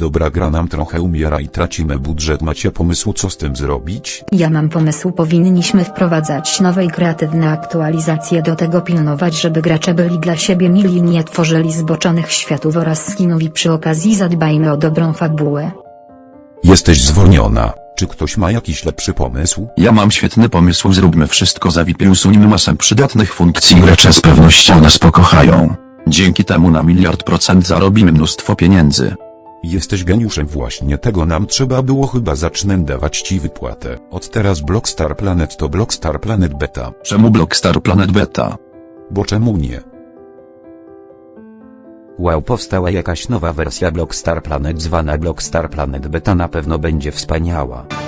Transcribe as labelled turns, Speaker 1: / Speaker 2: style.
Speaker 1: Dobra, gra nam trochę umiera i tracimy budżet. Macie pomysł, co z tym zrobić?
Speaker 2: Ja mam pomysł, powinniśmy wprowadzać nowe i kreatywne aktualizacje, do tego pilnować, żeby gracze byli dla siebie mili i nie tworzyli zboczonych światów oraz skinów, i przy okazji zadbajmy o dobrą fabułę.
Speaker 1: Jesteś zwolniona. Czy ktoś ma jakiś lepszy pomysł?
Speaker 3: Ja mam świetny pomysł, zróbmy wszystko za VIP i usuńmy masę przydatnych funkcji. Gracze z pewnością nas pokochają. Dzięki temu na 1.000.000% zarobimy mnóstwo pieniędzy.
Speaker 1: Jesteś geniuszem, właśnie tego nam trzeba było. Chyba zacznę dawać ci wypłatę. Od teraz Blockstar Planet to Blockstar Planet Beta.
Speaker 3: Czemu Blockstar Planet Beta?
Speaker 1: Bo czemu nie?
Speaker 4: Wow, powstała jakaś nowa wersja Blockstar Planet zwana Blockstar Planet Beta, na pewno będzie wspaniała.